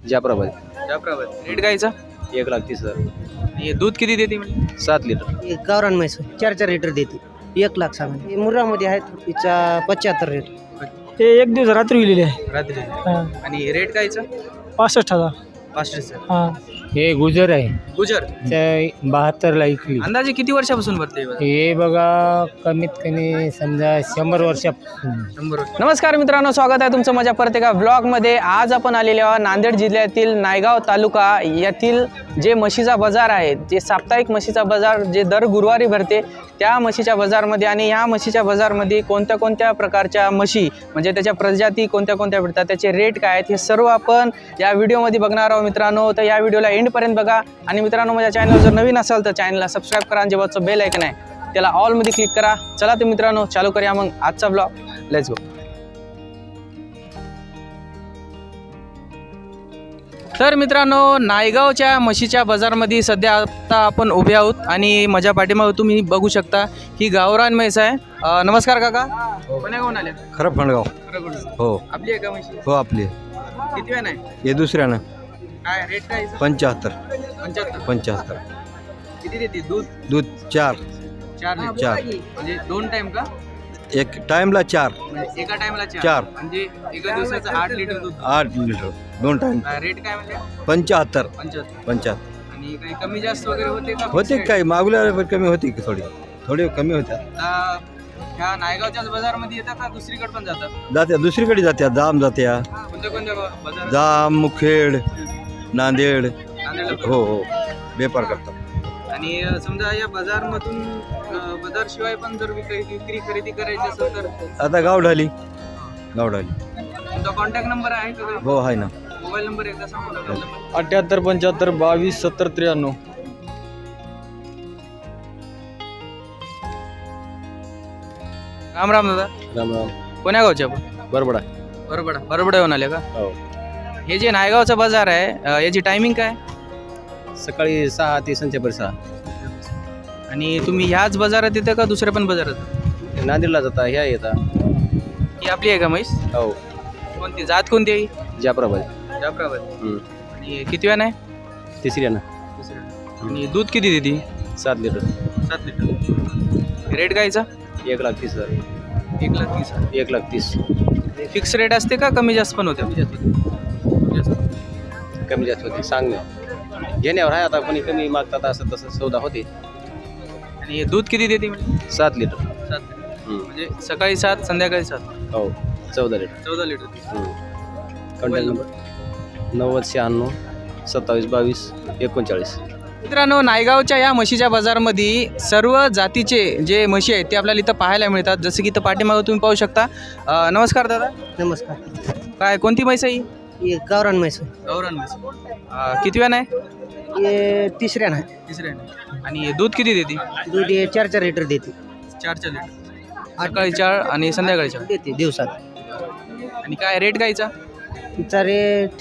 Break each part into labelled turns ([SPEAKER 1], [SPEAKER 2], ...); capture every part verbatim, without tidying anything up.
[SPEAKER 1] Jafrabad.
[SPEAKER 2] Jafrabad. Rate गायचा
[SPEAKER 1] एक लाख तीस हजार.
[SPEAKER 2] हे दूध किती देते म्हणजे
[SPEAKER 1] सात लिटर.
[SPEAKER 3] गावरान म्हैस चार चार लिटर देते. एक लाख सांगा. हे मुर्रामध्ये आहेत तिचा पंच्याहत्तर रेट.
[SPEAKER 4] ते एक दिवस रात्री विलेले आहे.
[SPEAKER 2] रात्री.
[SPEAKER 4] हा.
[SPEAKER 2] आणि रेट गायचा
[SPEAKER 4] पासष्ट हजार.
[SPEAKER 2] पाचशे.
[SPEAKER 4] हा.
[SPEAKER 5] हे गुजर आहे
[SPEAKER 2] गुजर.
[SPEAKER 5] बहात्तरला ऐकली.
[SPEAKER 2] अंदाजे किती वर्षापासून भरते हे?
[SPEAKER 5] हे बघा कमीत कमी समजा शंभर वर्षा.
[SPEAKER 2] शंभर वर्ष. नमस्कार मित्रांनो, स्वागत आहे तुमचं माझ्या परत एका ब्लॉगमध्ये. आज आपण आलेले आहोत नांदेड जिल्ह्यातील नायगाव तालुका यातील जे म्हशीचा बाजार आहे, जे साप्ताहिक म्हशीचा बाजार जे दर गुरुवारी भरते त्या म्हशीच्या बाजारमध्ये. आणि ह्या म्हशीच्या बाजारमध्ये कोणत्या कोणत्या प्रकारच्या म्हशी म्हणजे त्याच्या प्रजाती कोणत्या कोणत्या भेटतात, त्याचे रेट काय आहेत, हे सर्व आपण या व्हिडिओमध्ये बघणार आहोत मित्रांनो. तर या व्हिडिओला एंडपर्यंत बघा. आणि मित्रांनो, माझ्या चॅनल जर नवीन असाल तर चॅनलला सबस्क्राईब करा आणि जेव्हाचं बेल आयकन आहे त्याला ऑलमध्ये क्लिक करा. चला तर मित्रांनो चालू करूया मग आजचा ब्लॉग. Let's go. तर मित्रांनो, नायगावच्या म्हशीच्या बाजारमध्ये सध्या आता आपण उभे आहोत आणि माझ्या पाठीमागे तुम्ही बघू शकता ही गावरान म्हैस आहे. अ, नमस्कार काका. कोण्या गावून आल्या?
[SPEAKER 6] खरं फंडगाव. हो
[SPEAKER 2] आपली आहे का म्हशी?
[SPEAKER 6] हो आपली.
[SPEAKER 2] किती वेळ नाही?
[SPEAKER 6] हे दुसऱ्यानं
[SPEAKER 2] काय रेट काय?
[SPEAKER 6] पंच्याहत्तर.
[SPEAKER 2] पंच्याहत्तर.
[SPEAKER 6] पंच्याहत्तर.
[SPEAKER 2] किती देते दूध?
[SPEAKER 6] दूध चार.
[SPEAKER 2] चार
[SPEAKER 6] चार.
[SPEAKER 2] म्हणजे दोन टाइम का?
[SPEAKER 6] एक टाइमला चार.
[SPEAKER 2] म्हणजे एका टाइमला
[SPEAKER 6] चार.
[SPEAKER 2] म्हणजे एका दिवसाचं आठ लिटर दूध.
[SPEAKER 6] आठ लिटर दोन टाइम.
[SPEAKER 2] रेट काय म्हणजे?
[SPEAKER 6] पंच्याहत्तर.
[SPEAKER 2] पंच्याहत्तर.
[SPEAKER 6] पंच्याहत्तर.
[SPEAKER 2] आणि काही कमी जास्त वगैरे होते का?
[SPEAKER 6] होते काय मागल्या कमी होती की थोडी थोडी कमी होत्या.
[SPEAKER 2] आता ह्या नायगावच्याच बाजारमध्ये येतात का दुसरीकडे पण जातात?
[SPEAKER 6] जात्या दुसरीकडे जात्या. जाम जात्या.
[SPEAKER 2] कोणत्या कोणत्या बाजार?
[SPEAKER 6] जाम मुखेड नांदेड.
[SPEAKER 2] नांदेडला.
[SPEAKER 6] हो हो व्यापार करतात.
[SPEAKER 2] आणि समजा या बाजारमधून बाजार शिवाय पण जर विक्री विक्री खरेदी करायची असेल तर?
[SPEAKER 6] आता गावढाली. गावढाली.
[SPEAKER 2] तुमचा कॉन्टॅक्ट नंबर आहे का?
[SPEAKER 6] हो आहे ना.
[SPEAKER 2] मोबाईल नंबर एकदा सांगा.
[SPEAKER 1] अठ्याहत्तर पंच्याहत्तर बावीस सत्तर त्र्याण्णव.
[SPEAKER 2] राम राम दादा.
[SPEAKER 1] राम राम.
[SPEAKER 2] कोण्या गावचे आपण?
[SPEAKER 1] बरोबर.
[SPEAKER 2] बरोबर. बरोबर येऊन आले का?
[SPEAKER 1] हो.
[SPEAKER 2] हे जे नायगावचा बाजार आहे अ, याची टायमिंग काय?
[SPEAKER 1] सकाळी सहा ते संध्याकाळी सहा.
[SPEAKER 2] आणि तुम्ही ह्याच बाजारात येतं का दुसऱ्या पण बाजारात?
[SPEAKER 1] नांदेडला जाता ह्या येतात.
[SPEAKER 2] ही आपली आहे का म्हैस?
[SPEAKER 1] हो.
[SPEAKER 2] कोणती जात कोणती आहे?
[SPEAKER 1] जाफराबाद.
[SPEAKER 2] जाफराबाद.
[SPEAKER 1] हम्म.
[SPEAKER 2] आणि किती वेळ नाही?
[SPEAKER 1] तिसऱ्यानं.
[SPEAKER 2] आणि दूध किती देते?
[SPEAKER 1] सात लिटर.
[SPEAKER 2] सात लिटर. रेट गायचा?
[SPEAKER 1] एक लाख तीस हजार.
[SPEAKER 2] एक लाख तीस.
[SPEAKER 1] एक लाख तीस.
[SPEAKER 2] फिक्स रेट असते का कमी जास्त पण होते?
[SPEAKER 1] कमी जास्त होते सांगणे घेण्यावर आहे. आता कोणी कमी मागतात असं तसं सौदा होते.
[SPEAKER 2] आणि दूध किती देते म्हणजे?
[SPEAKER 1] सात लिटर.
[SPEAKER 2] सात लिटर. म्हणजे सकाळी सात संध्याकाळी सात.
[SPEAKER 1] हो. चौदा लिटर.
[SPEAKER 2] चौदा लिटर.
[SPEAKER 1] कॉन्टॅक्ट नंबर नव्वद शहाण्णव सत्तावीस बावीस एकोणचाळीस.
[SPEAKER 2] मित्रांनो, नायगावच्या या म्हशीच्या बाजारमध्ये सर्व जातीचे जे म्हशी आहेत ते आपल्याला इथं पाहायला मिळतात. जसं की इथं पाठीमागं तुम्ही पाहू शकता. अ, नमस्कार दादा.
[SPEAKER 3] नमस्कार.
[SPEAKER 2] काय कोणती म्हैस आहे ही?
[SPEAKER 3] हे गावरान म्हैस.
[SPEAKER 2] गावरान म्हैस. अ, किती वेळ नाही?
[SPEAKER 3] हे तिसऱ्या नाही.
[SPEAKER 2] तिसऱ्या. आणि दूध किती देते?
[SPEAKER 3] दूध हे चार चार लिटर देते.
[SPEAKER 2] चार चार लिटर. सकाळी चार आणि संध्याकाळी चार
[SPEAKER 3] देते दिवसात.
[SPEAKER 2] आणि काय रेट गायचा?
[SPEAKER 3] तिचा रेट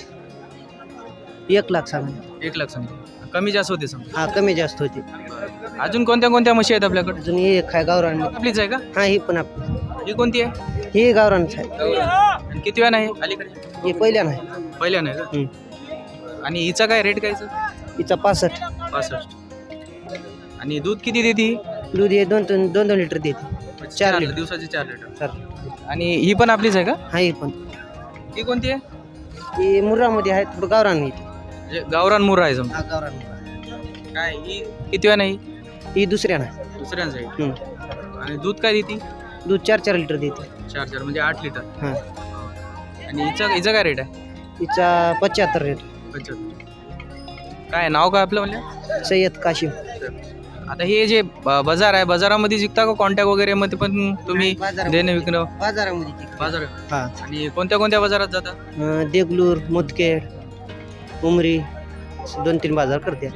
[SPEAKER 3] एक लाख सांगा.
[SPEAKER 2] एक लाख समजा. कमी जास्त होते समजा.
[SPEAKER 3] हा कमी जास्त होते.
[SPEAKER 2] अजून कोणत्या कोणत्या म्हशी आहेत आपल्याकडे?
[SPEAKER 3] अजून हे एक आहे गावरान.
[SPEAKER 2] आपलीच आहे का?
[SPEAKER 3] हा ही पण आपली.
[SPEAKER 2] ही कोणती आहे?
[SPEAKER 3] हे गावरानच आहे.
[SPEAKER 2] आणि किती वेळ नाही अलीकडे?
[SPEAKER 3] हे पहिल्या नाही.
[SPEAKER 2] पहिल्या नाही का?
[SPEAKER 3] हम्म.
[SPEAKER 2] आणि हिचा काय रेट गायचा?
[SPEAKER 3] तिचा पासष्ट.
[SPEAKER 2] पासष्ट. आणि दूध किती देते?
[SPEAKER 3] दूध हे दोन दोन दोन दोन लिटर देते. चार लिटर.
[SPEAKER 2] दिवसाचे चार लिटर.
[SPEAKER 3] चार.
[SPEAKER 2] आणि ही पण आपलीच आहे का?
[SPEAKER 3] हा ही पण.
[SPEAKER 2] ही कोणती आहे?
[SPEAKER 3] ही मुर्रामध्ये आहे. थोडं गावरान येते.
[SPEAKER 2] म्हणजे गावरान मुर्रा आहे समजा.
[SPEAKER 3] हा गावरान.
[SPEAKER 2] काय ही किती वेळ नाही?
[SPEAKER 3] ही दुसऱ्या नाही.
[SPEAKER 2] दुसऱ्यांचं आहे.
[SPEAKER 3] हम्म.
[SPEAKER 2] आणि दूध काय देते?
[SPEAKER 3] दूध चार चार लिटर देते.
[SPEAKER 2] चार चार म्हणजे आठ लिटर.
[SPEAKER 3] हां.
[SPEAKER 2] आणि हिचा हिचा काय रेट आहे?
[SPEAKER 3] तिचा पंच्याहत्तर रेट.
[SPEAKER 2] पंच्याहत्तर. काय नाव काय आपलं म्हणजे?
[SPEAKER 3] सय्यद काशिम.
[SPEAKER 2] आता हे जे ब- बाजार आहे बाजारामध्ये जिंकता का कॉन्टॅक्ट वगैरे मध्ये पण तुम्ही
[SPEAKER 3] बाजारामध्ये.
[SPEAKER 2] देणं विकणं?
[SPEAKER 3] बाजारामध्ये.
[SPEAKER 2] बाजार.
[SPEAKER 3] हा.
[SPEAKER 2] आणि कोणत्या कोणत्या बाजारात जाता?
[SPEAKER 3] अं, देगलूर मुदखेड उमरी दोन तीन बाजार करते.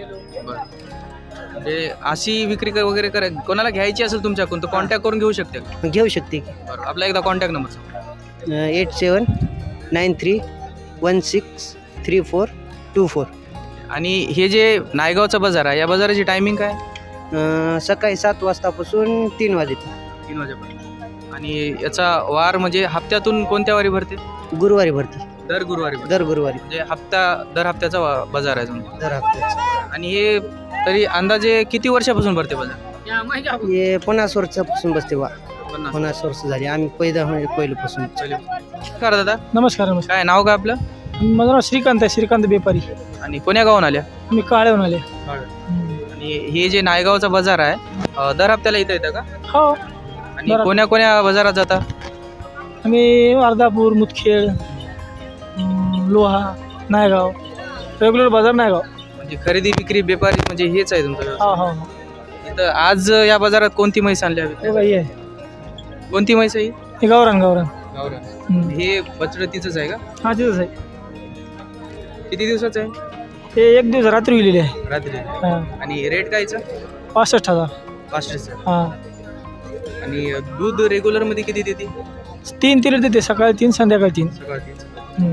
[SPEAKER 2] म्हणजे अशी विक्री कर- वगैरे कर कोणाला घ्यायची असेल तुमच्याकडून तर कॉन्टॅक्ट करून घेऊ शकते का?
[SPEAKER 3] घेऊ शकते की.
[SPEAKER 2] बरं. आपला एकदा कॉन्टॅक्ट नंबर सांगा.
[SPEAKER 3] Eight seven nine three one six three four two four.
[SPEAKER 2] आणि हे जे नायगावचा बाजार आहे या बाजाराची टायमिंग काय?
[SPEAKER 3] सकाळी सात वाजतापासून तीन वाजेपर्यंत.
[SPEAKER 2] तीन वाजेपर्यंत. आणि याचा वार म्हणजे हप्त्यातून कोणत्या वारी भरते?
[SPEAKER 3] गुरुवारी भरते.
[SPEAKER 2] दर गुरुवारी भरतो.
[SPEAKER 3] दर गुरुवारी
[SPEAKER 2] म्हणजे हप्ता दर हप्त्याचा वा- बाजार आहे तुमचा.
[SPEAKER 3] दर हप्त्याचा.
[SPEAKER 2] आणि हे तरी अंदाजे किती वर्षापासून भरते बाजार?
[SPEAKER 3] हे पन्नास वर्षापासून बसते वा
[SPEAKER 2] पन्नास.
[SPEAKER 3] पन्नास वर्ष झाली आम्ही पैदा म्हणजे पहिल्यापासून.
[SPEAKER 2] नमस्कार दादा,
[SPEAKER 4] नमस्कार नमस्कार
[SPEAKER 2] काय नाव काय आपलं
[SPEAKER 4] माझं नाव श्रीकांत आहे, श्रीकांत बेपारी.
[SPEAKER 2] आणि कोण्या गावून आल्या?
[SPEAKER 4] मी काळेहून आले.
[SPEAKER 2] आणि हे जे नायगावचा बाजार आहे अं, दर हप्त्याला इथं येतं का?
[SPEAKER 4] हो,
[SPEAKER 2] आणि
[SPEAKER 4] दर-
[SPEAKER 2] कोण्या कोण्या बाजारात जाता?
[SPEAKER 4] आम्ही अर्धापूर, मुदखेड, अं, लोहा, नायगाव, रेग्युलर बाजार नायगाव.
[SPEAKER 2] म्हणजे खरेदी विक्री व्यापारी म्हणजे हेच आहे तुमचं व्यवसाय.
[SPEAKER 4] हा हा हा.
[SPEAKER 2] इथं आज या बाजारात कोणती म्हैस आणली हवी?
[SPEAKER 4] हे बाई आहे,
[SPEAKER 2] कोणती म्हैस आहे ही?
[SPEAKER 4] हे गावरान गावरान. हम्म.
[SPEAKER 2] हे बचडतीच आहे का?
[SPEAKER 4] हा तिथंच आहे.
[SPEAKER 2] किती दिवसाचं आहे?
[SPEAKER 4] हे एक दिवस रात्री विलेली आहे.
[SPEAKER 2] रात्री.
[SPEAKER 4] हा.
[SPEAKER 2] आणि रेट कायचा?
[SPEAKER 4] पासष्ट हजार.
[SPEAKER 2] पाचशेचा.
[SPEAKER 4] हा.
[SPEAKER 2] आणि दूध रेग्युलर मध्ये किती देते?
[SPEAKER 4] तीन तिला देते, सकाळी तीन संध्याकाळी तीन.
[SPEAKER 2] सकाळची.
[SPEAKER 4] हम्म.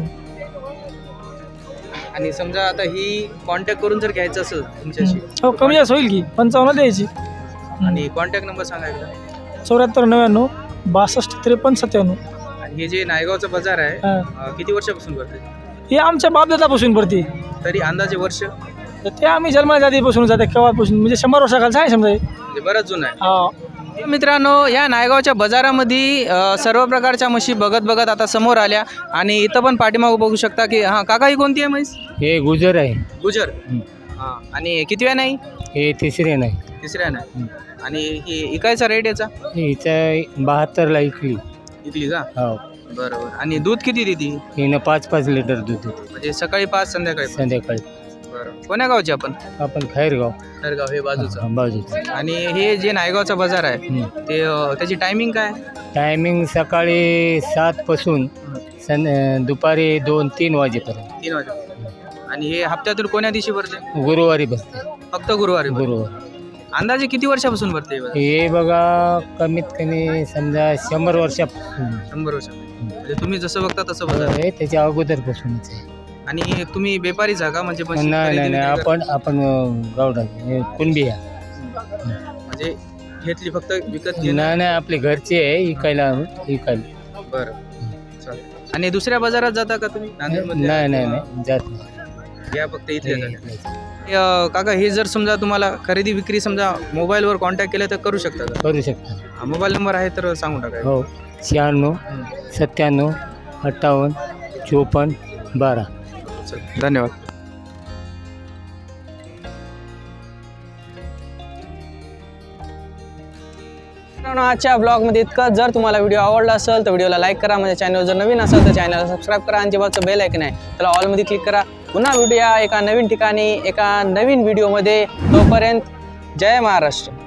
[SPEAKER 2] आणि समजा आता ही कॉन्टॅक्ट करून जर घ्यायचं असेल तुमच्याशी,
[SPEAKER 4] हो, कमी जास्त होईल की पंचावन्न द्यायची.
[SPEAKER 2] आणि कॉन्टॅक्ट नंबर सांगा एकदा.
[SPEAKER 4] चौऱ्याहत्तर नव्याण्णव बासष्ट त्रेपन्न सत्त्याण्णव.
[SPEAKER 2] आणि हे जे नायगावचं बाजार आहे
[SPEAKER 4] हा.
[SPEAKER 2] अं, किती वर्षापासून भरते?
[SPEAKER 4] हे आमच्या बापदादापासून पडते.
[SPEAKER 2] तरी अंदाजे वर्ष?
[SPEAKER 4] तर ते आम्ही जन्माला जातीपासून जाते केव्हापासून म्हणजे शंभर वर्षाखालचं आहे समजा हे.
[SPEAKER 2] म्हणजे बरंच जुनं आहे.
[SPEAKER 4] हा.
[SPEAKER 2] मित्रांनो, या नायगावच्या बाजारामध्ये अ, सर्व प्रकारच्या म्हशी बघत बघत आता समोर आल्या. आणि इथं पण पाठीमागं बघू शकता की हां काका, ही कोणती आहे म्हैस?
[SPEAKER 5] हे गुजर आहे.
[SPEAKER 2] गुजर. हां. आणि कितव्या नाही?
[SPEAKER 5] हे तिसरे नाही.
[SPEAKER 2] तिसऱ्या नाही. आणि ही इकायचा रेट याचा?
[SPEAKER 5] हिचं बहात्तरला इकली.
[SPEAKER 2] इकली का?
[SPEAKER 5] हो.
[SPEAKER 2] बरोबर. आणि दूध किती देते?
[SPEAKER 5] हिनं पाच पाच लिटर दूध देते
[SPEAKER 2] म्हणजे सकाळी पाच, संध्याकाळी पाच.
[SPEAKER 5] संध्याकाळी.
[SPEAKER 2] बरं. कोण्या गावची आपण?
[SPEAKER 5] आपण खैरगाव
[SPEAKER 2] खरगाव हे बाजूचं.
[SPEAKER 5] बाजूचं.
[SPEAKER 2] आणि हे जे नायगावचा बाजार आहे
[SPEAKER 5] हम्म.
[SPEAKER 2] ते अ, त्याची टायमिंग काय?
[SPEAKER 5] टायमिंग सकाळी सातपासून सं दुपारी दोन तीन वाजेपर्यंत.
[SPEAKER 2] तीन वाजे. आणि हे हप्त्यातून कोण्या दिवशी भरते?
[SPEAKER 5] गुरुवारी बसते.
[SPEAKER 2] फक्त गुरुवारी भरते.
[SPEAKER 5] गुरुवार.
[SPEAKER 2] अंदाजे किती वर्षापासून भरते हे बाजार?
[SPEAKER 5] हे बघा कमीत कमी समजा शंभर वर्षापासून
[SPEAKER 2] शंभर वर्ष. म्हणजे तुम्ही जसं बघता तसं बाजार आहे.
[SPEAKER 5] आहे, त्याच्या अगोदरपासूनच आहे.
[SPEAKER 2] आणि तुम्ही व्यापारीच आहे का? म्हणजे म्हशी
[SPEAKER 5] नाही नाही
[SPEAKER 2] खरेदी
[SPEAKER 5] नाही
[SPEAKER 2] विक्री
[SPEAKER 5] आपण आपण गावडा कुणबी आहे.
[SPEAKER 2] करता? म्हणजे घेतली फक्त विकत घेणं?
[SPEAKER 5] नाही नाही आपले घरचे आहे इकायला इकायला.
[SPEAKER 2] बरं, चालेल. आणि दुसऱ्या बाजारात जाता का तुम्ही? नांदेडमध्ये?
[SPEAKER 5] नाही नाही नाही जात नाही.
[SPEAKER 2] या फक्त इथले जाता. अ, काका, हे जर समजा तुम्हाला खरेदी विक्री समजा मोबाईलवर कॉन्टॅक्ट केलं तर करू शकता का?
[SPEAKER 5] करू शकता.
[SPEAKER 2] हा, मोबाईल नंबर आहे तर सांगून टाका.
[SPEAKER 5] हो. शहाण्णव सत्त्याण्णव अठ्ठावन्न चोपन्न बारा.
[SPEAKER 2] चल, धन्यवाद. मित्रांनो, आजच्या ब्लॉगमध्ये इतकं. जर तुम्हाला व्हिडिओ आवडला असेल तर व्हिडिओला लाईक करा. माझ्या चॅनल जर नवीन असेल तर चॅनलला सबस्क्राईब करा. आणि जे बाजूचं बेल ऐकन आहे त्याला ऑलमध्ये क्लिक करा. पुन्हा व्हिडिओ एका नवीन ठिकाणी एका नवीन व्हिडिओमध्ये. तोपर्यंत जय महाराष्ट्र.